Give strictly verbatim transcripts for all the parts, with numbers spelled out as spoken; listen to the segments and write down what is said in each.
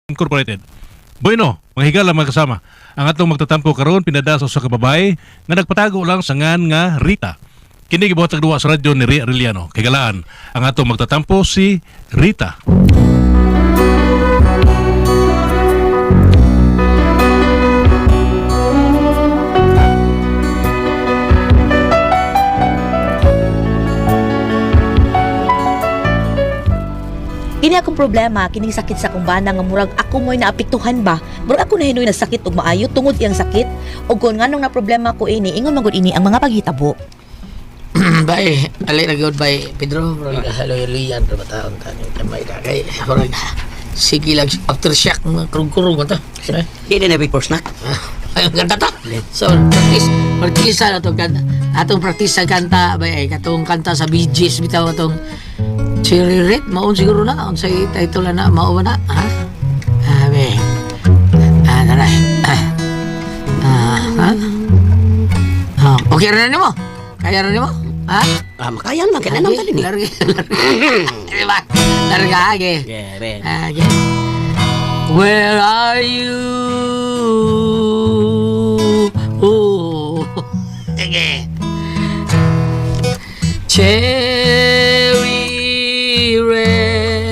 Incorporated. Bueno, mga higala mga kasama, ang atong magtatampo karon pinadaso sa kababay nga nagpatago lang sa ngan nga Rita. Kini gibuhat sa duwa sa radyo ni Ria Arellano. Kagalaan, ang atong magtatampo si Rita. Kini akong problema, kining sakit sa akong bana nga murag ako mo'y naapektuhan ba? Murag ako na hinoy nagsakit og maayo tungod iyang sakit. Og kun nganong na problema ko ini, ingon magud ini ang mga paghitabo. Bay, ali na good bay Pedro, bro. Halo-haloyan ra bataon tani kamay na kay. Murag sige lang aftershock mga kurung-kurung ta. Hindi na before snack. Ayun kanta ta. So, practice, practice na to kanta. Atong practice sa kanta bay katong kanta sa Bee Gees bitaw atong Cherry Red, maon siguro na. Ang sa title na, maon na. Ha? Abe. Ah, naray. Ah. Ah, ha? Ah, okay rin mo? Kaya rin mo? Ha? Ah, makayan man. Kaya naman tali ni. Larga, larga. Diba? Larga, age. Yeah, ben. Age. Where are you? Oh. Age. Cherry red,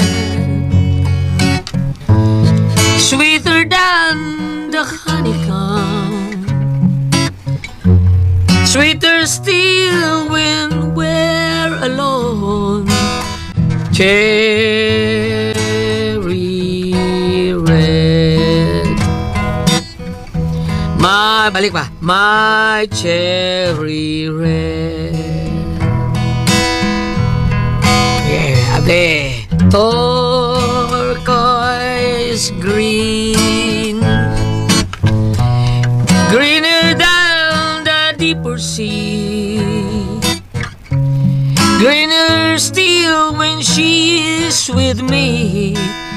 sweeter than the honeycomb, sweeter still when we're alone. Cherry red, my balik pa, my cherry red. Able, turquoise green, greener than the deeper sea, greener still when she is with me.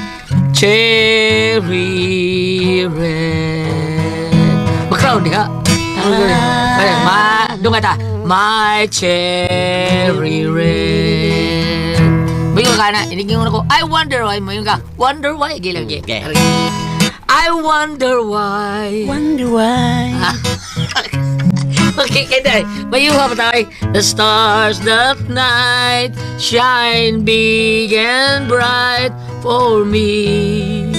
Cherry red. Background di ka? Ma, doon ka ta. My cherry red. Mayroon ka na, iniging mo na ko, I wonder why, mayroon ka, wonder why, gilang gi. I wonder why. Wonder why. Okay, kaya mayroon ka pa tayo. The stars that night shine big and bright for me.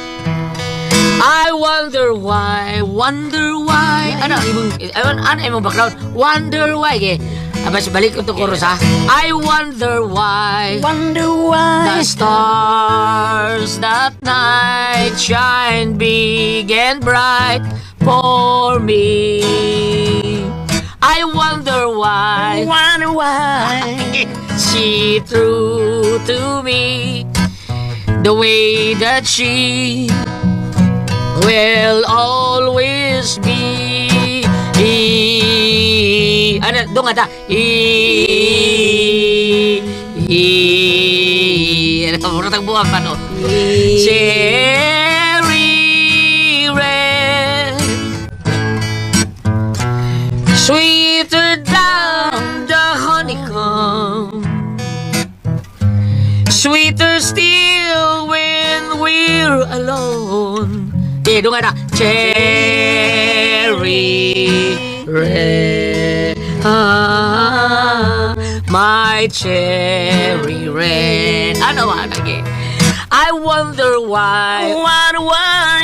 I wonder why, wonder why. Ano, ibang, ano, ano, ibang background? Wonder why, eh. Abas, balik ko to chorus, ha? I wonder why. Wonder why. The stars that night shine big and bright for me. I wonder why. Wonder why. She true to me the way that she will always be. Ano, doon nga ta. I, I, ano, muratang buwan pa, no? Cherry red, sweeter than the honeycomb, sweeter still when we're alone. Eh, doon nga ta. Cherry red, ah, my cherry red. Ano ba lagi? I wonder why. Wonder why.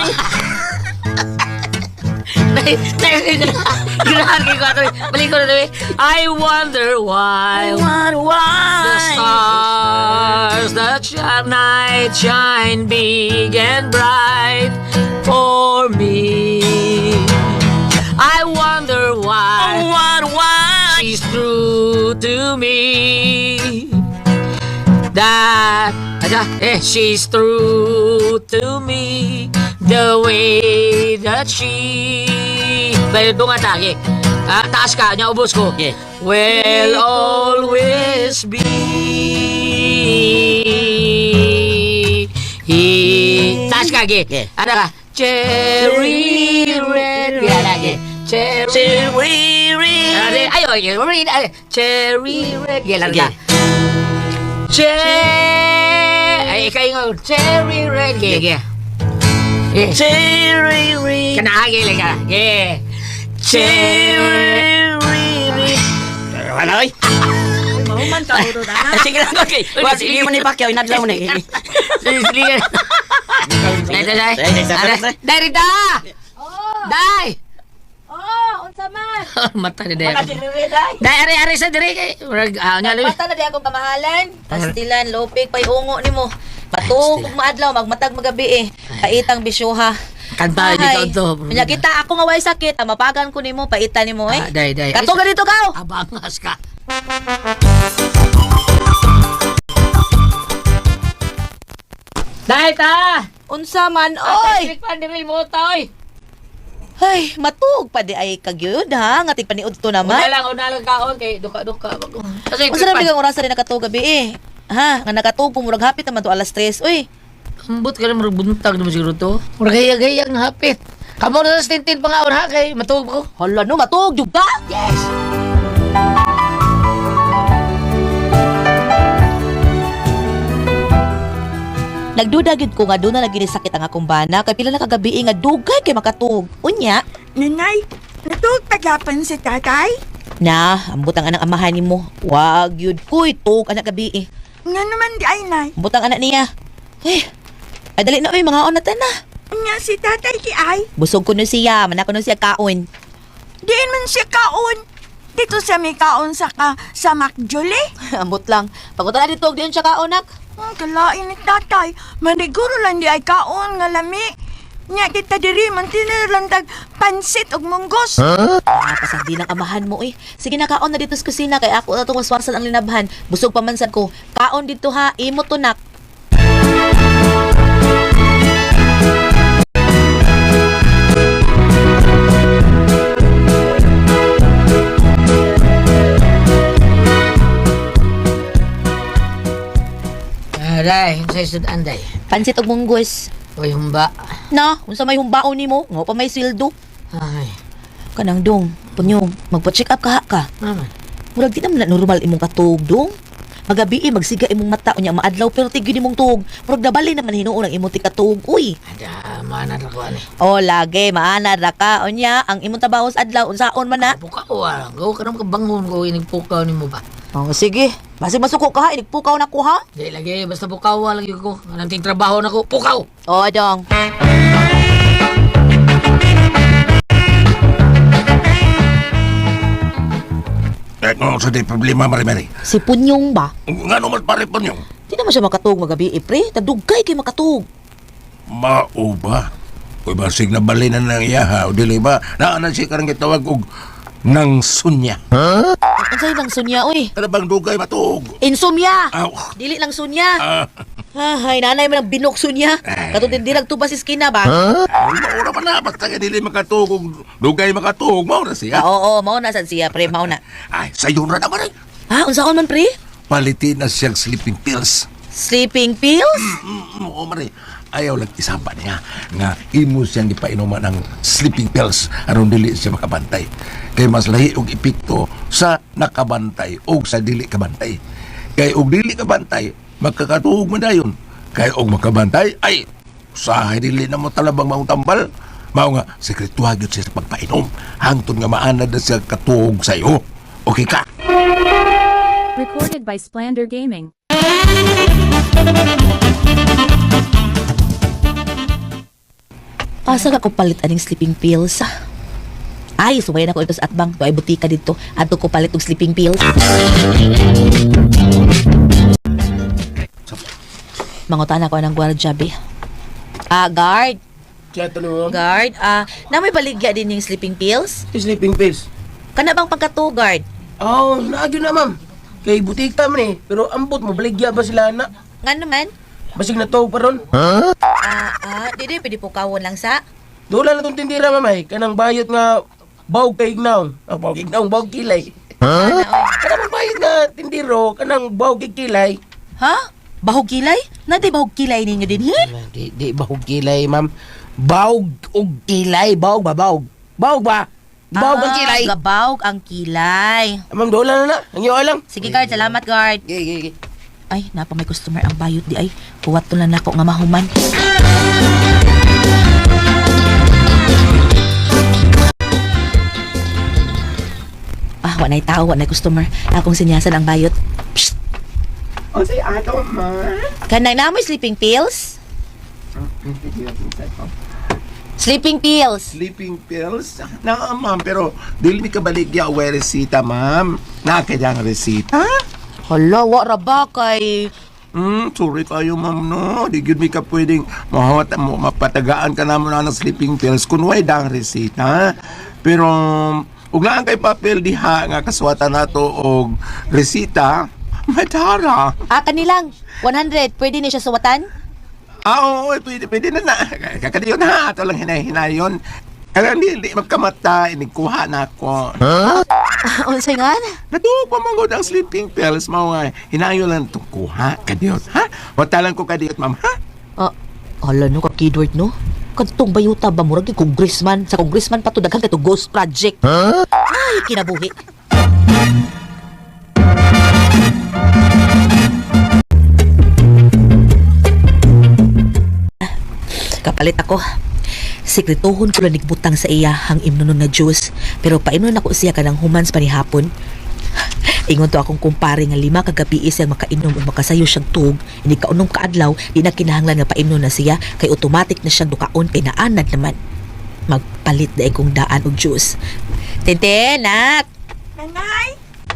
Ginahan kayo ko ito. Balik ko na ito. I wonder why. Wonder why. The stars that shine night shine big and bright for me. I wonder why. Wonder why. She's true to me. That eh, she's true to me the way that she. Pero doon nga tagi. Ah, taas ka, niya ubos ko. Yeah. Will always be. He. Taas ka, ge. Yeah. Ano ka? Cherry red. Kaya lagi. Cherry, cherry red. Ayo, ayo, red. Cherry red. Kaya lang ka. Cherry. Ay, kayo nga. Cherry red. Kaya, kaya. Eh. Cherry. Kanahagi lang ka. Yeah. Cherry. Ano oy? Mahuman ka uro na. Sige lang okay. Wa sige mo ni Pacquiao inadlaw ni. Sige, sige. Dai, dai, dai. Dai, dai, dai, dai. Dai, Rita! Dai! Oh, unsa man? Mata ni Dai. Dai, ari, ari sa diri kay. Murag, ah, nga labi. Mata na di akong kamahalan. Pastilan, lopik, payungo nimo. Matug ug maadlaw magmatag magabi eh. Kaitang bisyoha. Kanta di ka to. Nya kita ako nga way sakit, ah, mapagan ko nimo, paitan nimo eh. Ah, Dai, Dai. Kato ka dito ka. Abangas ka. Dai ta! Unsa man Oy! oy. Pan diri mo ta oy. Ay, matug pa di ay kagyud ha, nga tigpaniud to Una naman. lang, una lang kaon kay duka-duka. Kasi Unsa na bigang oras rin nakatug gabi eh. Ha, nga nakatug kung murag hapit naman to alas tres oy. ambot ka na murag buntag naman siguro to. Murag gayag-gayag na hapit. Kamo na sa tintin pa nga ha kay matuog ko. Hala no, matug jud ka. Yes! Nagduda gyud ko nga doon na lagi ni sakit ang akong bana kay pila na kagabi nga dugay kay makatug. Unya, Nanay, natulog tagapan si tatay? na ambot ang anang amahan nimo. Wag yun kuy tug anak gabi eh. Nga naman di ay, nay. Ambot ang anak niya. Eh, ay dali na oy mga onatan na. Nga si tatay di ay. Busog ko no siya, man ako no siya kaon. Diin man siya kaon. Dito sa may kaon sa ka sa Macjole. Ambot lang. Pagunta na dito, diyan siya kaonak. Ang kalain ni tatay. Maniguro lang di ay kaon nga lami. Nya kita diri man tinirlandag pansit ug munggos. Ah, pasagdi ng amahan mo eh. Sige na kaon na dito sa kusina kay ako na itong waswasan ang linabhan. Busog pamansan ko. Kaon dito ha, imo to nak. Aray, sa isod anday. Pansit og munggos. Oy, humba. Na, unsa may humbaon nimo? Nga pa may sildo. Ay, Kanang dong, punyong, magpa-check up ka ha ka. naman. Murag di naman na normal imong katug dong. Magabi eh, magsiga imong mata unya maadlaw pero tigyo nimong tug. Murag nabali naman hinuon ang imong tikatug. Uy. Ada, mana na ko ani. O lagi maana ra ka unya ang imong tabahos adlaw unsaon man na. Pukaw ah. Go ka naman kabangon ko inigpukaw ni mo ba? Oh sige. Basi masuko ka ha, inigpukaw na ko ha. Di lagi, basta pukaw lagi ko. Anong trabaho na ko, pukaw! O dong. Eh, no, sa di problema, Mari-Mari. Si Punyong ba? Nga naman pare po niyo. Di naman siya makatug magabi eh pre. Tagdugay kay makatug. Mao ba? Kung basig na bali na ng iyaha, o dili ba? Naanan siya karang gitawag og nang sunya. Ang sa'yo ng sunya oy. Ano bang dugay matuog? Insomnia. Aw, Dili lang sunya. ah, Ay, nanay mo ng binok sunya. Katong di nagtubas sa skina ba? ay, maura pa na. Basta ka dili makatuog og dugay makatuog. Maura Ah, siya. oo, mao na sad siya pre, mao na. Ay, sayo na naman eh. Ha, unsaon man pre? Palitin na siyang sleeping pills. Sleeping pills? Mm, oo, Mari. Ayaw lang isamba niya nga imo siyang ipainuman ng sleeping pills aron dili siya makabantay. Kay mas lahi og epekto sa nakabantay o sa dili kabantay. Kay og dili kabantay, magkakatuog man dayon. Kay og makabantay, ay, usahay dili na mo talabang maong tambal. Mao nga, sekretuha gyud siya sa pagpainom. Hangtod nga maanad na siya katuog sa iyo. Okay ka? Recorded by Splander Gaming. Asa ka ko palit aning sleeping pills? Ay, suway na ko ito sa atbang. Ito ay butika dito. Ato ko palit og sleeping pills. Mangutan ako ng gwardya, be. Ah, guard. Chato no. Guard, ah, na may baligya din yung sleeping pills? Sleeping pills. Kana bang pagkato, guard? Oh, naagyo na ma'am. Kay butika man eh. Pero ambot mo, baligya ba sila na? Nga naman? Basig na to pa ron. Ah, ah, di di, pwede po kawon lang sa. Dola na tong tindira mamay. Kanang bayot nga bawg kay ignaon. Ah, bawg ignaon, bawg kilay. Ano, oy? Kanang bayot nga tindiro, kanang bawg kay kilay. Ha? Bahog kilay? Na di bahog kilay ninyo din, he? Di, di bawg kilay ma'am. Bawg og kilay. Bawg ba, bawg? Bawg ba? Bawg ang kilay. Ah, gabawg ang kilay. Ah, ma'am, dola na na. Ang iyo lang. Sige, guard. Salamat, guard. Gigi, gigi. Ay, napa may customer ang bayot di ay. Kuwat to lang ako nga mahuman. Wa na'y tao, wa na'y customer. Akong sinyasan ang bayot. Psst! O say ato, ma. Kanang namoy sleeping pills? Sleeping pills. Sleeping pills? Na, ma'am, pero dili mi kabaligya o resita, ma'am. Nakakayang resita? Hala, wa ra ba kay... Hmm, sorry kayo, ma'am, no. Di gyud mi ka pwedeng mahawat mo, mapatagaan ka naman na ng sleeping pills kung way dang resita. Pero, ug laan kay papel diha nga kaswatan nato og resita, matara. Ah, kanilang. one hundred. Pwede ni siya suwatan? Ah, oo, pwede, pwede na na. Kakadiyon na, ito lang hinay-hinayon. Kaya hindi, hindi magkamata, inikuha na ako. Unsay nga? Natuwa pa magod ang sleeping pills, mga hinayo lang itong kuha, kadiyot, ha? Watalan ko kadiyot, ma'am, ha? Ah, hala no, ka-keyword no? Kadtong bayuta ba murag kay congressman? Sa congressman pa to daghan kay to ghost project. Ay, kinabuhi. Kapalit ako. Sekretuhon ko lang nigbutang sa iya hang imnunon nga juice. Pero paimnon ako siya kanang humans pa ni hapon. Ingon to akong kumpare nga lima kagabi siyang makainom o makasayo siyang tug. Hindi kaunom kaadlaw, di na kinahanglan nga paimnon na siya kay automatic na siyang dukaon kay naanad naman. Magpalit na akong daan og juice. Tente, nak! Nanay?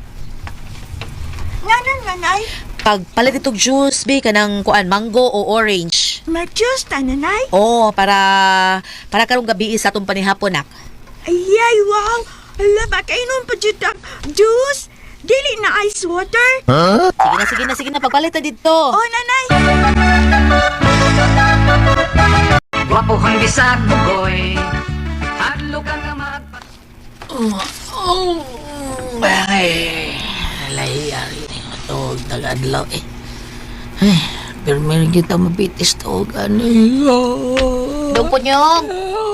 Ngayon, nanay? Pagpalit itong juice, be, kanang kuan, mango o orange. May juice ta, nanay? Oo, para para karong gabi sa atong panihapon, nak. Ayay, wow! Hala, baka inom pa dyan ang juice? Dili na ice water? Sige na, sige na, sige na, pagpalit na dito. Oh, nanay! Wapo kang bisag bugoy. Hadlo ka nga magpat... Oh, ay, layari ito, tagadlaw eh. Ay, pero meron kita mabitis to, gani. Dong punyong.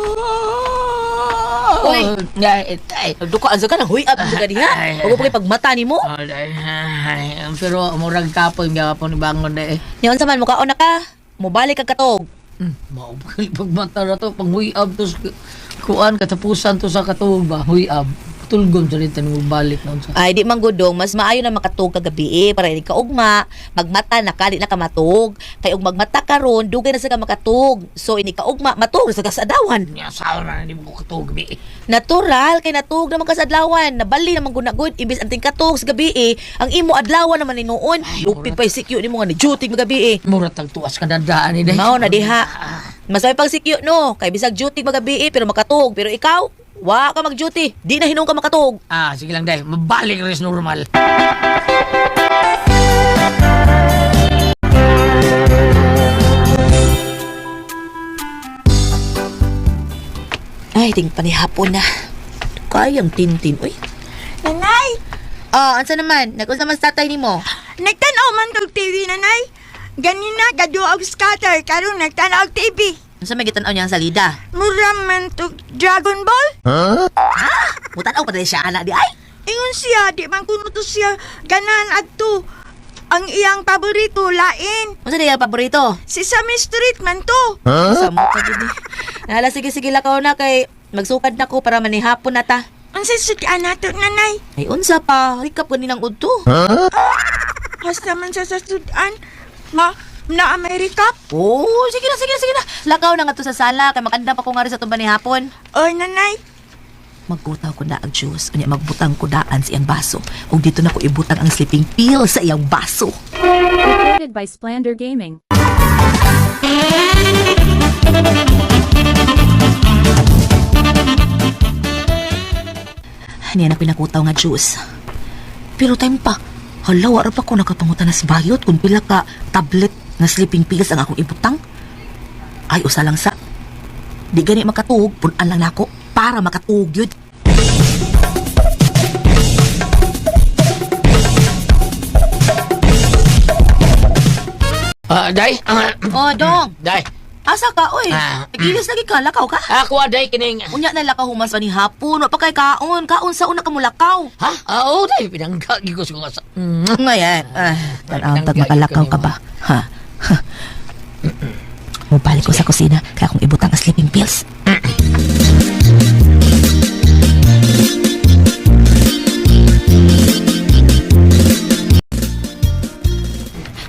Uy. Ay, ay. Dukaan sa ka na, huy, ab, sa diha. Huwag mo kay pagmata ni mo. Ay, ay, pero murag kapon, gapon ni bangon na eh. Yan sa man, mukhaon na ka. Mubalik kag katog. Hmm, maubay pagmata na to, pang huyab to, sa- kuan, katapusan to sa katog ba, huyab. Tulgon sa rin tanong balik na sa. Ay, di man gudong, mas maayo na makatug kagabi eh, para hindi ka ugma, magmata na ka, di na ka matug. Kay ug magmata ka ron, dugay na sa ka makatug. So, ini ka ugma, matug sa kasadawan. Niya, sawa na, hindi mo ko katog, bi. Natural, kay natug naman ka sa adlawan. Nabali naman gunagod, ibis anting katug sa gabi eh. Ang imo adlawan naman ni noon. Lupit pa yung sikyo ni mo nga ni duty magabi eh. Mura tagtuas ka dadaan ni dahil. Mao na diha. Masay pang sikyo no, kay bisag duty magabi eh, pero makatug. Pero ikaw, wa ka mag-duty. Di na hinong ka makatug. Ah, sige lang dahil, mabalik rin sa normal. Ay, ting panihapon na. Kayang tintin, uy. Nanay! Ah, ansa naman? Nag-unsa man sa tatay nimo? Nagtanaw man tog T V, nanay. Ganina, gadua og scatter, karon nagtanaw og T V. Unsa may gitanaw niya ang salida? Mura man tog Dragon Ball. Mutanaw pa dali siya anak di ay. Ingon siya, di man kuno to siya ganan adto. Ang iyang paborito, lain. Unsa diya paborito? Si Sesame Street man to. Sa mo ka gid. Nala sige sige lakaw na kay magsukad na ko para manihapon na ta. Ang sasudyan nato, nanay. Ay unsa pa? Rikap ganinang udto. Hasta man sa sasudyan. Ma, na Amerika. Oh, sige na, sige na, sige na. Lakaw na nga to sa sala kay makanda pa ko nga rin sa tumba ni hapon. Oy, nanay. Magbutaw ko na ang juice. Unya magbutang ko daan sa iyang baso. Ug dito na ko ibutang ang sleeping pill sa iyang baso. Recorded by Splander Gaming. Niya na pinakutaw nga juice. Pero time pa, hala, wala pa ko nakapangutan na sa bayot kung pila ka tablet na sleeping pills ang akong ibutang. Ay, usa lang sa. Di gani makatuog, punan lang nako para makatuog yun. Ah, day? Ah, Oh, dong. day. Asa ka, oy? Ah. Nagilis lagi ka, lakaw ka. Ako, day, kining... Unya na lakaw humas pa ni hapon. Wa pa kay kaon. Kaon sa una ka mo lakaw. Ha? Ah, oo, day. Pinanggagi ko sa sa... Mm. Ngayon, ah, tanaw tag makalakaw ka ba? Ha? Ha? Mubalik ko sa kusina kaya akong ibutang ang sleeping pills.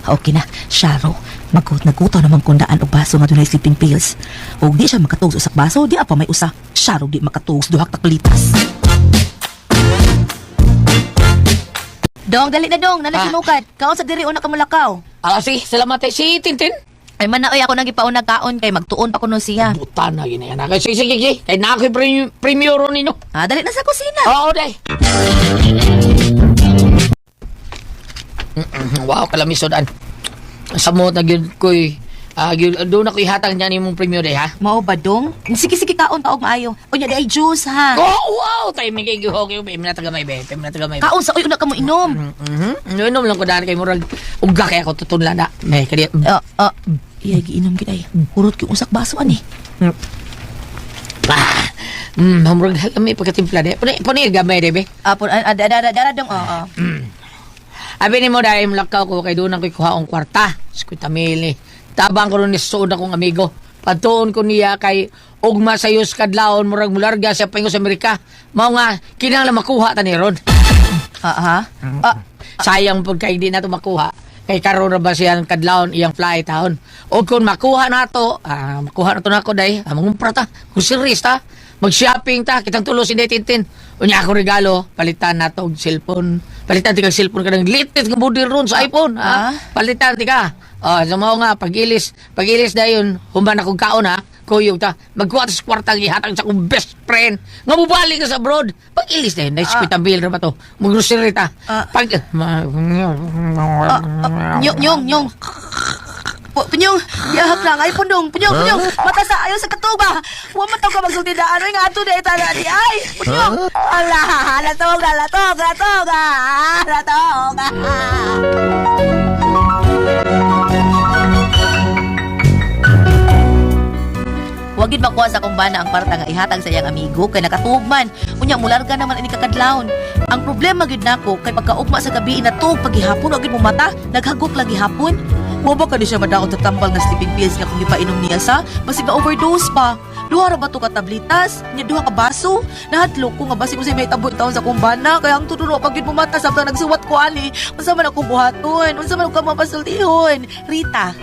Okay na, Sharo. Magkut nagkutaw naman kundaan og baso nga dunay sleeping pills. Og di siya makatuog sa usak baso, di apa may usa. Sharo di makatuog sa duhak taklitas. Dong, dali na dong, nanasinukad. Kaon sa diri una ka mulakaw. Ah, si, salamat eh. Si Tintin. Ay man na oy ako nang gipaon nagkaon kay magtuon pa kuno siya. Buta na yun yan. Kaya sige, sige, sige. Kaya na ako'y premium, premium ron ninyo. Ah, dali na sa kusina. Oo, day. Mm-mm. Wow, kalamisodan. Samot na yun ko'y... Ah, yun, doon ako ihatang niya ni mong premium day, ha? Mao ba dong? Sige sige kaon taog maayo. Unya di ay juice ha. Oh, wow! Tayo may kigihog yung pim na tagamay, be. Pim na tagamay. Kaon sa uy una ka mo inom. Mhm. Inom lang ko daan kay murag ugga kay ako tutunla na. May kadi. Ah, ah. Iya giinom gid ay. Kurot ki usak baso ani. Ah. Mm, murag may pagkatimpla de. Puni puni gamay de, be. Ah, pun ada ada ada dong. Oo. Abi ni mo dahil mulakaw ko kay doon ako kuha ang kwarta. Skwenta mil ni. Tabang ko ron ni suod akong amigo. Patuon ko niya kay ugma sa yus kadlawon murag mularga siya paingo sa Amerika. Mao nga kinahanglan makuha ta ni ron. Ah, ha? Ah, Sayang pud kay di na to makuha. Kay karon ra ba siya kadlawon iyang flight taon. O kung makuha na to, ah, makuha na to nako day. Ah, mangumpra ta. Kung serious ta, mag-shopping ta, kitang tulo si Tintin. Unya ako regalo, palitan na to og cellphone. Palitan ti kag cellphone kanang latest nga model ron sa iPhone, ha? Ah? Palitan ti ka. Oh, so mao nga pagilis, pagilis dayon, human akong kaon ha. Kuyog ta, magkuha ta sa kwartang ihatag sa akong best friend. Nga mubalik ka sa abroad. Pagilis dayon, na skwenta bill ra ba to. Mag-grocery ta. Ah. Pag ma- nyong nyong nyong. Punyong, yahap lang. Ay, punyong, punyong, punyong. Mata sa ayaw sa katuba. Huwag mataw ka magsulti na ano yung ato na itala di. Ay, punyong. Ala, latog na, latog, latog, ah, latog, ah. Wagid makuha sa kumbana ang parta nga ihatag sa iyang amigo kay nakatugman. Unya mularga naman ini kakadlawon. Ang problema gid nako kay pagkaugma sa gabi na tug paghihapon wagid mo mata, naghagok lagi hapon. Wa ba ka di siya madaot sa tambal nga sleeping pills nga kung ipainom niya sa basig na overdose pa. Duha ra ba to ka tablitas? Nya duha ka baso? Nahadlok ko nga basig ko sa may tabot taon sa kumbana kaya ang tutulo pag gid mo mata sabta nagsuwat ko ani. Unsa man ako buhaton? Unsa man ako mapasultihon? Rita.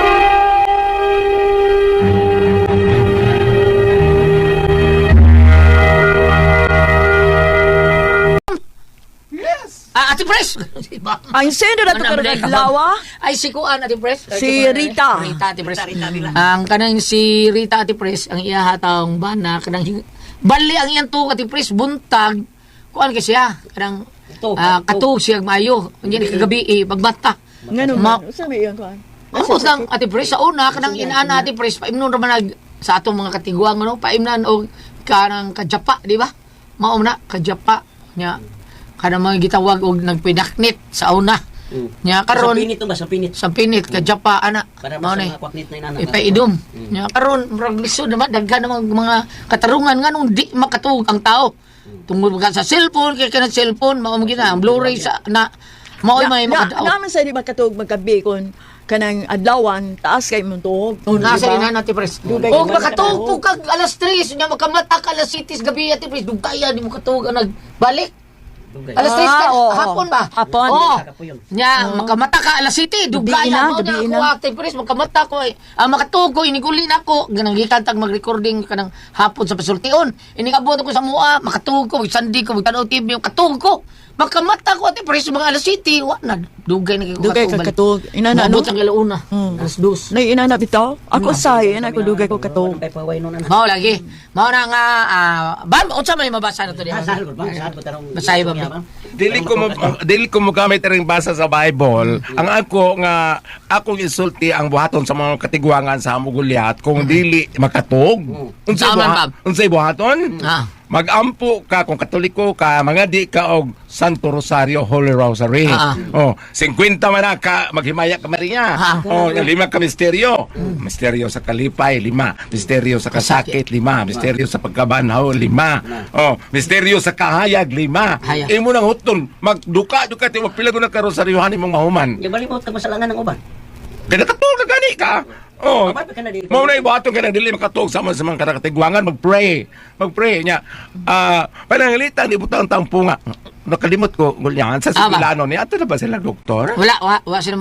Ah, Ate Pres! Ang sendo na to Ano, karong Blake, adlaw. Ay, si Kuan, Ate Pres. Si Rita. Rita, Ate Pres. Ang kanang si Rita, Ate Pres, ang iyahatang bana, kanang hing- bali ang iyang tuog, Ate Pres, buntag. Kuan kasi siya, kanang ah, katug siya mayo. Hindi kagabi, eh, pagbata. Ngano Ma- man? Unsa may iyang kuan? Ako lang, Ate Pres, sa una, kanang inaana, Ate Pres, paimnon naman nag, sa atong mga katiguang, ano, paimnan o kanang kajapa, di ba? Maom na, kajapa. Nya, kanang mga gitawag og nagpidaknit sa una. Nya karon Sa pinit to ba? Sa pinit. sa pinit kajapa ana Para mao mas ni mga kwaknit na inana. ipaidom. Nya karon murag lisod naman daghan namang mga katarungan nganong di makatuog ang tao. Tungod ka sa cellphone kay kanang cellphone mao mo gina ang Blu-ray sa na mao may Na, makadaot. naman sa di makatug magkabi kon kanang adlawan taas kay mong tuhog. Oh, nasa ina natin pres. Dugay Og ka ba makatuog nakatuog? po kag alas tres nya makamata ka alas sitis gabi ati pres dugaya di mo katuog ang nagbalik. Dugay. Alas tres ka, Ah, oo. hapon ba? Hapon. Oo. Saka po yun. Nya, makamata ka, alas city, Gabi dugaya na, mo gabi na ako, na. active press, makamata ko eh. Ah, makatuog ko, iniguli na ako, ganang gikan tag mag-recording ka ng hapon sa pasultion. Inigabot ko sa mua, makatuog ko, magsandi ko, magtanaw T V, makatuog ko. Makamata ko, ati press, mga alas city, wa na, dugay na kayo Dugay ka katug. Inana ano? Mabot ang galauna, Hmm. alas dos. Nay inana bitaw. Ako say ina ko dugay ko katug. Kay paway no na. Mao lagi. Mao na nga, ah, ba, unsa may mabasa na to diha? Sahal ko ba? Sahal ko tarong. Basahin ba, ba? Dili ko mo dili ko mo gamit ring basa sa Bible. Ang ako nga akong isulti ang buhaton sa mga katiguangan sa Mugulyat kung dili makatog. Unsay Tama, buha, Bob. unsay buhaton? Ah. Magampo ka kung Katoliko ka, mga di ka og Santo Rosario Holy Rosary. Ah. Oh, fifty man na ka maghimaya ka Maria. Ah. Oh, lima ka misteryo. Misteryo sa kalipay, lima. Misteryo sa kasakit, lima. Misteryo sa pagkabanhaw, lima. Oh, misteryo sa kahayag, lima. Hayag. Imo nang huton, magduka-duka ti magpila na ka rosaryohan imong mahuman. Di balimot ka masalangan ng uban. Kaya nakatulog na gani ka. Oh, Mabay pa ka na dili. mao na ibuhaton ka na dili makatulog sama sa mga karatiguangan, mag-pray. Mag-pray niya. Ah, panangalitan di butang tampunga. Nakalimot ko gulyan sa Ah, ba? Sibilano ni ato na ba sila doktor? Wala, wa, wa sila mga to.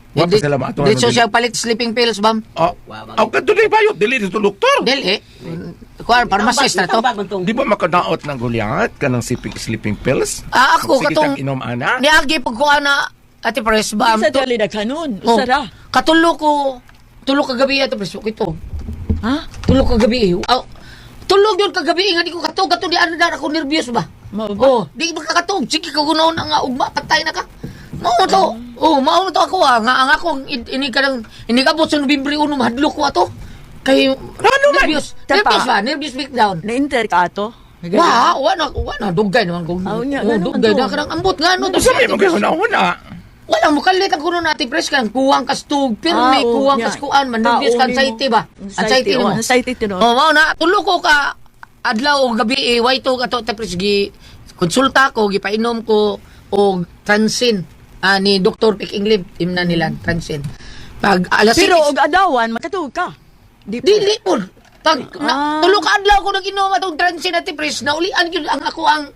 Wa pa sila maato. Dito siya palit sleeping pills, bam. Oh, aw kadto di bayot dili dito doktor. Dili. Kuan pharmacist na to. Di ba makadaot ng gulyat kanang sleeping sleeping pills? Ah, ako Sige, katong kang inom ana. niagi pag kuan na Ate Pres, bam. Sa dali na kanon. Oh, Usara. Katulo ko, tulo kagabi Ate Pres, okay to. Ha? Tulo kagabi. Oh, tulog yun kagabi nga di ko katog, katog di ano na ako nervyos ba? Mao ba? Oh, di ba kakatog? Sige ka gunaw na nga ugma, patay na ka. Mao to. Oh, mao to ako ah. Nga ang ako ini ka nang ini ka sa Nobyembre uno mahadlok ko ato. Kay Ano man? nervyos. Tapa. Nervyos ba? Nervyos breakdown. Na-inter ka ato. Wa, wa na, wa na dugay naman kung. Aw, nya, Oh, ganun dugay to. na kanang ambot nga no. Sa may mga hunahuna. Wala mo kalit ang kuno natin pres kan kuwang kastug pero Ah, may oo, kuwang nya. kaskuan man nervyos Taon kan nimo. anxiety ba? Anxiety oh, mo. Anxiety to no. Oh, mao na tulo ko ka adlaw o gabi eh, way to kato tapos gi konsulta ko gipainom ko og Transin ah, ni Doctor Pick Englib imna nila Transin. Pag alas Pero six- og adawan makatuog ka. Di po. dili po. Pag Ah. na, tulo ka adlaw ko naginom atong Transin at pres na ulian gyud ang ako ang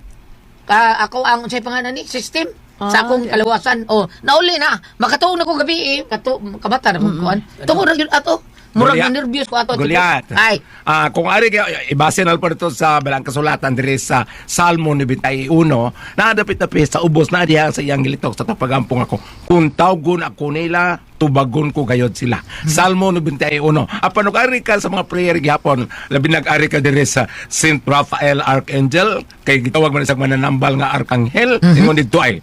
ka, ako ang say pangalan ni system sa Ah, akong yeah. kalawasan. Oh, nauli na. Makatuon ako gabi eh. Kato, kabata na mm kuan. Tungo ra gyud ato. Murag Gulyat. na nervyos ko ato. Gulyat. Ay. Ah, kung ari kaya ibase na po dito sa balang kasulatan diri sa Salmo ninety-one, nadapit na pis sa ubos na diha sa iyang gilitok sa tapagampong ako. Kung tawgon ako nila, tubagon ko gayod sila. Salmo ninety-one. Apan og ari ka sa mga prayer gihapon, labi nag-ari ka diri sa Saint Raphael Archangel, kay gitawag man isang mananambal nga arkanghel, ingon dito ay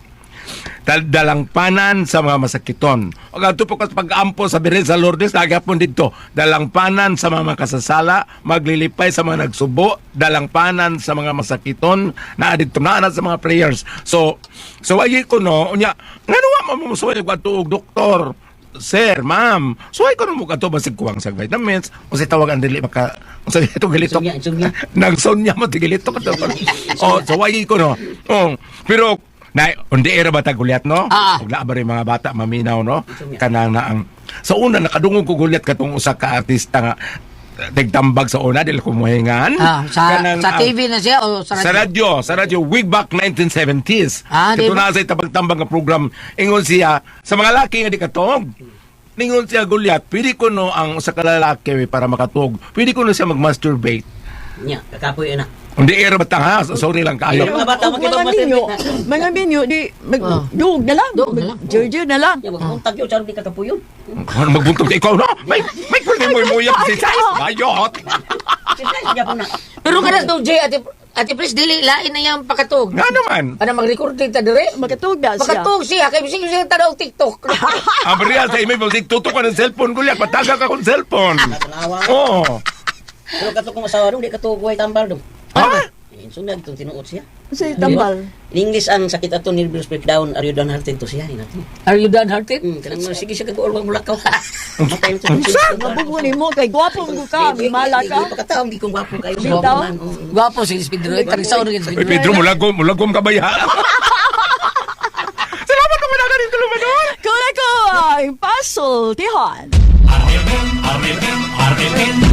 dalangpanan sa mga masakiton. O ganito po kas pag-ampo sa birin sa Lourdes, nagyapon dito, dalangpanan sa mga makasasala, maglilipay sa mga nagsubo, dalangpanan sa mga masakiton, na dito na sa mga prayers. So, so ay ko no, unya, nga nawa mo mo suway ko tuog doktor. Sir, ma'am, suway ko no mo kato basig kuwang sa vitamins, o si tawagan dili maka o sa ito gilito. Insomnia, insomnia. Nagsonya mo tigilito ka to. Oh, suway ko no. Oh, pero na undi era bata gulyat no? Ah. Ug naa ba rin mga bata maminaw no? Ito nga. Kanang na ang sa una nakadungog ko gulyat katong usa ka artista nga tigtambag sa una dili ko mohingan. Ah, sa Kanang sa ang- T V na siya o sa sa radyo? radyo, sa radyo, way back nineteen seventies. Ah, di Ito ba? na sa tabag-tambang nga program. Ingon siya, sa mga laki nga di katog. Ningon siya gulyat, pwede ko no ang sa kalalaki para makatog, pwede ko no siya mag-masturbate. Nya, kakapoy na. Hindi era batang ha, sorry lang kayo. Mga bata Og makita mga mo ninyo, na. mga ninyo di mag Oh. duog na lang. Duog na lang. Jurjur na lang. Ya, magpuntag yun, sarap di kakapoy yun. Ano magbuntog ka ikaw no? May may pwede mo imuyak si Sais. Bayot. Sige po na. Pero kada to Jay ate ate pres dili lain na yang pakatog. Nga naman. Para mag-record ta dire. Makatuog na siya. Pakatog siya kay bisig siya tanaw TikTok. Ang real sa email, basig tutok ka ng cellphone gulyat, pataga ka kong cellphone. Natanawa. Oo. Pero kato kong asawa dong, di kato kuhay tambal dong. Ha? Sundag itong tinuot siya. Sa tambal. In English, ang sakit ato nervous breakdown, are you done hearted to siya? Inato. Are you done hearted? Hmm, kanang mo, sige siya kag-uol, wag mulakaw. Matay na siya. Mabubunin mo kay gwapo mo ka, mala ka. Hindi pa kataong, di kong gwapo kayo. Bitaw? Gwapo man, oo. Gwapo si Speed Roy, tagsaw rin Ay, Speed Roy. Pedro, mulagom, mulagom ka ba ya? Salamat naman na rin tulumanon. Kung ako ay puzzle, tihan. R M N, R M N, R M N,